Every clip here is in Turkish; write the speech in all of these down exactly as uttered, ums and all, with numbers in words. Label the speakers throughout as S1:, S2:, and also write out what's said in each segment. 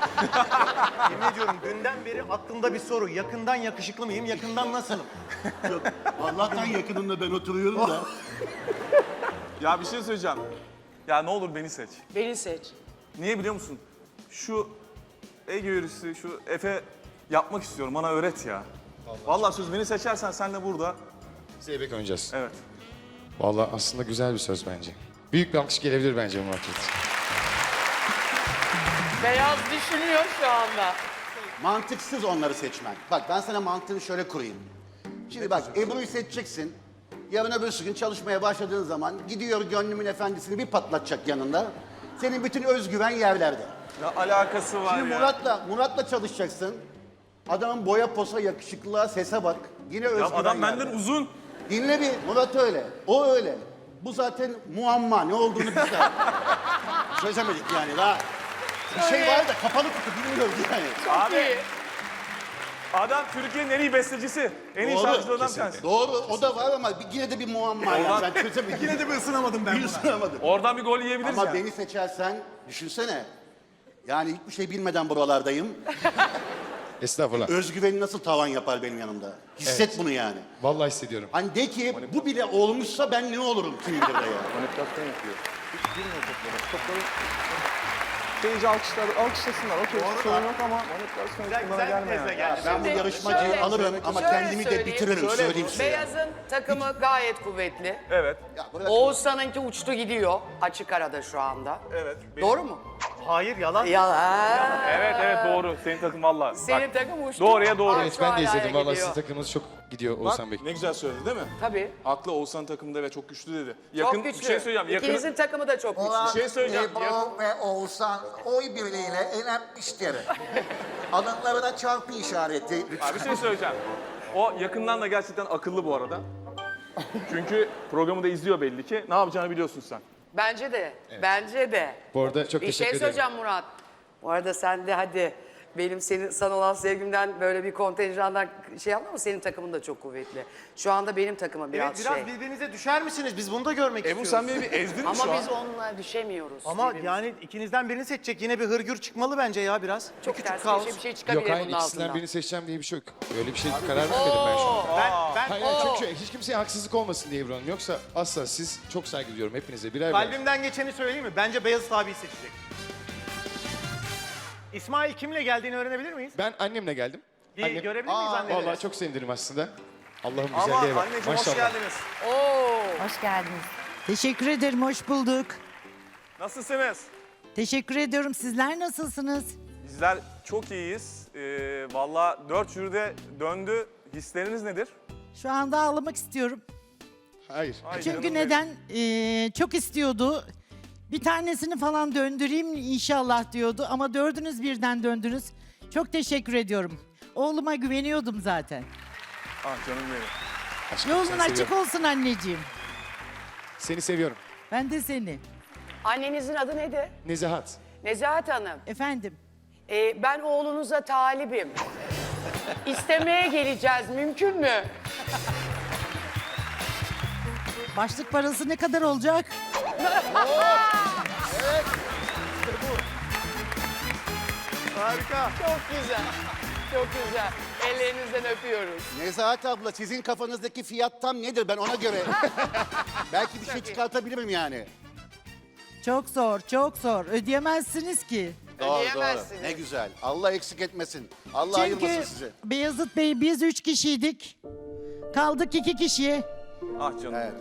S1: Yemin ediyorum dünden beri aklımda bir soru. Yakından yakışıklı mıyım, yakından nasılım?
S2: Yok, Allah'tan yakınında ben oturuyorum da.
S3: Ya bir şey söyleyeceğim. Ya ne olur beni seç.
S4: Beni seç.
S3: Niye biliyor musun? Şu Ege yürüsü, şu Efe yapmak istiyorum. Bana öğret ya. Vallahi söz beni seçersen sen de burada.
S5: Zeybek oynayacağız.
S3: Evet.
S5: Vallahi aslında güzel bir söz bence. Büyük bir alkış gelebilir bence bu market.
S4: Beyaz düşünüyor şu anda.
S2: Mantıksız onları seçmen. Bak ben sana mantığını şöyle kurayım. Şimdi bak Ebru'yu seçeceksin. Yarın öbürsü gün çalışmaya başladığın zaman gidiyor gönlümün efendisini bir patlatacak yanında. Senin bütün özgüven yerlerde.
S3: Ya alakası var
S2: Şimdi
S3: ya.
S2: Murat'la Murat'la çalışacaksın. Adamın boya posa, yakışıklılığa, sese bak. Yine
S3: Ya
S2: özgüven
S3: adam
S2: yerde.
S3: benden uzun.
S2: Dinle bir, Murat öyle. O öyle. Bu zaten muamma. Ne olduğunu biz de çözemedik yani daha. Bir şey var da kapalı kutu bilmiyoruz yani.
S3: Abi
S4: İyi.
S3: adam Türkiye'nin en iyi bestecisi. En iyi
S2: Doğru,
S3: şarkıcılarından bir tanesi.
S2: Doğru, o da var ama bir- yine de bir muamma yani. Ben çözemedim.
S1: Yine de bir ısınamadım ben
S2: bir
S1: buna.
S2: ısınamadım.
S3: Oradan bir gol yiyebiliriz
S2: Ama
S3: ya.
S2: beni seçersen, düşünsene. Yani hiçbir şey bilmeden buralardayım.
S5: Estağfurullah.
S2: Özgüveni nasıl tavan yapar benim yanımda? Hisset bunu yani.
S5: Vallahi hissediyorum.
S2: Hani de ki bu bile olmuşsa ben ne olurum kim bilir de ya.
S3: Manipülasyon yapıyor. Hiç girmiyor toplara. Topları seyirci alkışlar, alkışlasınlar. Okey, sorun yok ama manipülasyon
S1: Güzel,
S3: bunlara
S1: güzel bir
S3: gelme
S1: tezle
S3: yani.
S1: geldi.
S2: Ben bu
S4: Şimdi
S2: yarışmacıyı
S4: şöyle-
S2: alırım ama
S4: şöyle
S2: kendimi de
S4: söyleyeyim.
S2: bitiririm
S3: Söyle
S2: söyleyeyim size.
S4: Beyaz'ın takımı gayet kuvvetli.
S3: Evet,
S2: Ya bırak-
S4: Oğuzhan'ınki uçtu gidiyor. Açık arada şu anda.
S3: evet.
S4: Doğru mu?
S1: Hayır, yalan.
S4: Yalan.
S3: Evet, evet doğru. Senin takım valla.
S4: Senin takım uçtu.
S3: Doğruya doğru.
S4: Aa,
S5: Evet
S4: şu
S5: ben de
S4: hala
S5: izledim. Vallahi
S4: gidiyor.
S5: sizin takımınız çok gidiyor
S3: Bak,
S5: Oğuzhan Bey.
S3: ne güzel söyledi değil mi?
S4: Tabii.
S3: Aklı Oğuzhan takımda ve çok güçlü dedi.
S4: Çok
S3: Yakın,
S4: güçlü.
S3: bir şey söyleyeceğim. Yakın,
S4: İkinizin takımı da çok güçlü.
S3: Bir şey söyleyeceğim.
S6: Ebru
S3: Yakın-
S6: ve Oğuzhan oy birliğiyle elenmiştir. Alınlarına çarpı işareti.
S3: Abi bir şey söyleyeceğim. O yakından da gerçekten akıllı bu arada. Çünkü programı da izliyor belli ki. Ne yapacağını biliyorsun sen.
S4: Bence de. Bence de.
S5: Bu arada çok
S4: Bir
S5: teşekkür
S4: şey
S5: ederim.
S4: söyleyeceğim Murat. Bu arada sen de hadi benim senin sana olan sevgimden böyle bir kontenjandan şey yapma ama senin takımın da çok kuvvetli. Şu anda benim takımım biraz,
S1: Evet, biraz
S4: şey.
S1: birbirinize düşer misiniz? Biz bunu da görmek
S3: Ebru
S1: istiyoruz.
S3: sen beni bir ezdin mi
S4: Ama
S3: şu an?
S4: biz onunla düşemiyoruz.
S1: Ama
S4: birbirimize.
S1: yani ikinizden birini seçecek. Yine bir hırgür çıkmalı bence ya biraz. Bir
S4: çok
S1: küçük
S4: ters
S1: kaos.
S4: bir şey, bir şey çıkabilir
S5: Yok hayır
S4: bunun
S5: ikisinden
S4: altından.
S5: birini seçeceğim diye bir şey yok. Öyle bir şey karar vermedim ben şu an.
S1: Ben, ben
S5: Hayır, hayır çünkü hiç kimseye haksızlık olmasın diye Ebru Hanım. Yoksa asla siz çok saygı duyuyorum hepinize birer birer.
S1: kalbimden geçeni söyleyeyim mi? Bence Beyazıt abiyi seçecek. İsmail kimle geldiğini öğrenebilir miyiz?
S5: Ben annemle geldim.
S1: Bir
S5: Annem-
S1: görebilir miyiz anneleri?
S5: Vallahi çok sevindim aslında. Allah'ım
S3: Ama
S5: güzelliğe bak.
S3: anneciğim hoş
S5: Maşallah.
S3: geldiniz.
S4: Oo.
S7: Hoş geldiniz.
S8: Teşekkür ederim, hoş bulduk.
S3: Nasılsınız?
S8: Teşekkür ediyorum. Sizler nasılsınız?
S3: Bizler çok iyiyiz. Ee, Valla dört jüride döndü. Hisleriniz nedir?
S8: Şu anda ağlamak istiyorum.
S5: Hayır.
S3: Ay
S8: Çünkü
S3: canım
S8: neden? Ee, çok istiyordu. Bir tanesini falan döndüreyim inşallah diyordu ama dördünüz birden döndünüz. Çok teşekkür ediyorum. Oğluma güveniyordum zaten.
S3: benim. Ah canım benim.
S5: Aşkım,
S8: Yolun
S5: seni
S8: açık
S5: seviyorum.
S8: olsun anneciğim.
S5: Seni seviyorum.
S8: Ben de seni.
S4: Annenizin adı nedir?
S5: Nezahat.
S4: Nezahat Hanım.
S8: Efendim.
S4: Ee, ben oğlunuza talibim. İstemeye geleceğiz. Mümkün mü?
S8: Başlık parası ne kadar olacak?
S1: Harika.
S4: Çok güzel. Çok güzel. Ellerinizden öpüyoruz.
S2: Nezahat abla sizin kafanızdaki fiyat tam nedir ben ona göre. Belki bir şey çıkartabilirim yani.
S8: Çok zor, çok zor. Ödeyemezsiniz ki.
S2: Doğru
S4: Ödeyemezsiniz.
S2: doğru. Ne güzel. Allah eksik etmesin. Allah ayırmasın
S8: Çünkü
S2: sizi.
S8: Beyazıt Bey biz üç kişiydik. Kaldık iki kişiye.
S3: Ah canım.
S2: Evet.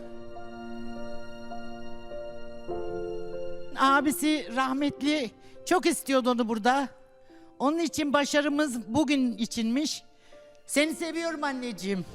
S8: Abisi rahmetli çok istiyordu onu burada. Onun için başarımız bugün içinmiş. Seni seviyorum anneciğim.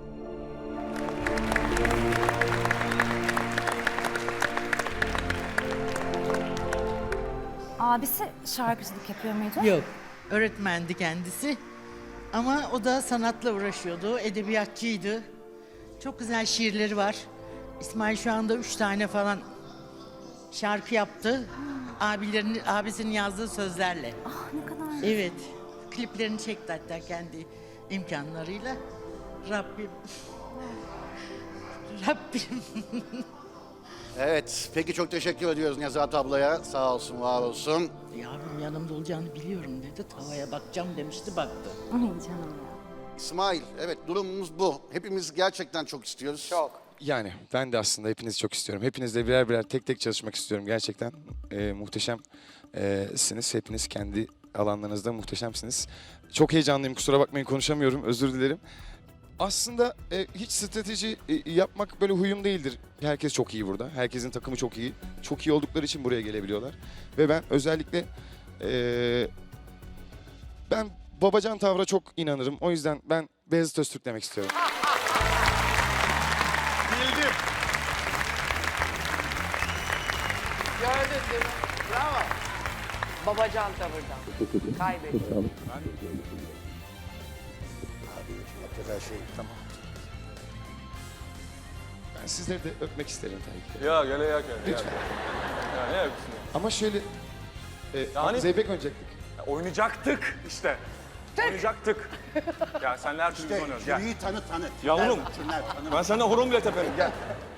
S7: Abisi şarkıcılık yapıyor muydu?
S8: Yok, öğretmendi kendisi. Ama o da sanatla uğraşıyordu, edebiyatçıydı. Çok güzel şiirleri var. İsmail şu anda üç tane falan şarkı yaptı. Abilerin, abisinin yazdığı sözlerle.
S7: Ah ne kadar.
S8: Evet, kliplerini çekti hatta kendi imkanlarıyla. Rabbim, Rabbim.
S2: Evet, peki çok teşekkür ediyoruz Nezahat ablaya. Sağ olsun, var olsun.
S8: Yavrum yanımda olacağını biliyorum dedi. Tavaya bakacağım demişti, baktı.
S7: Ay canım ya.
S2: İsmail, evet durumumuz bu. Hepimiz gerçekten çok istiyoruz.
S4: Çok.
S5: Yani ben de aslında hepinizi çok istiyorum. Hepinizle birer birer tek tek çalışmak istiyorum. Gerçekten e, muhteşemsiniz. Hepiniz kendi alanlarınızda muhteşemsiniz. Çok heyecanlıyım, kusura bakmayın konuşamıyorum, özür dilerim. Aslında e, hiç strateji e, yapmak böyle huyum değildir. Herkes çok iyi burada. Herkesin takımı çok iyi. Çok iyi oldukları için buraya gelebiliyorlar. Ve ben özellikle e, ben babacan tavra çok inanırım. O yüzden ben Beyazıt Öztürk demek istiyorum.
S1: Bildim.
S4: Gördün değil mi? Bravo. Babacan tavırdan. Kaybettim.
S2: Her şey tamam.
S5: Ben sizleri de öpmek isterim tabii ki.
S3: Ya gele ya gele.
S5: Lütfen.
S3: Ya ne yapıyorsun ya?
S5: Ama şöyle... E,
S3: Yani-
S5: Zeybek oynayacaktık.
S3: Ya oynayacaktık işte. Oynayacaktık. Ya senle her türlü biz oynuyoruz. Gel.
S2: Jüriyi tanı tanı.
S3: Yavrum.
S2: Tüner, tanı.
S3: Ben seninle horon bile teperim. Gel.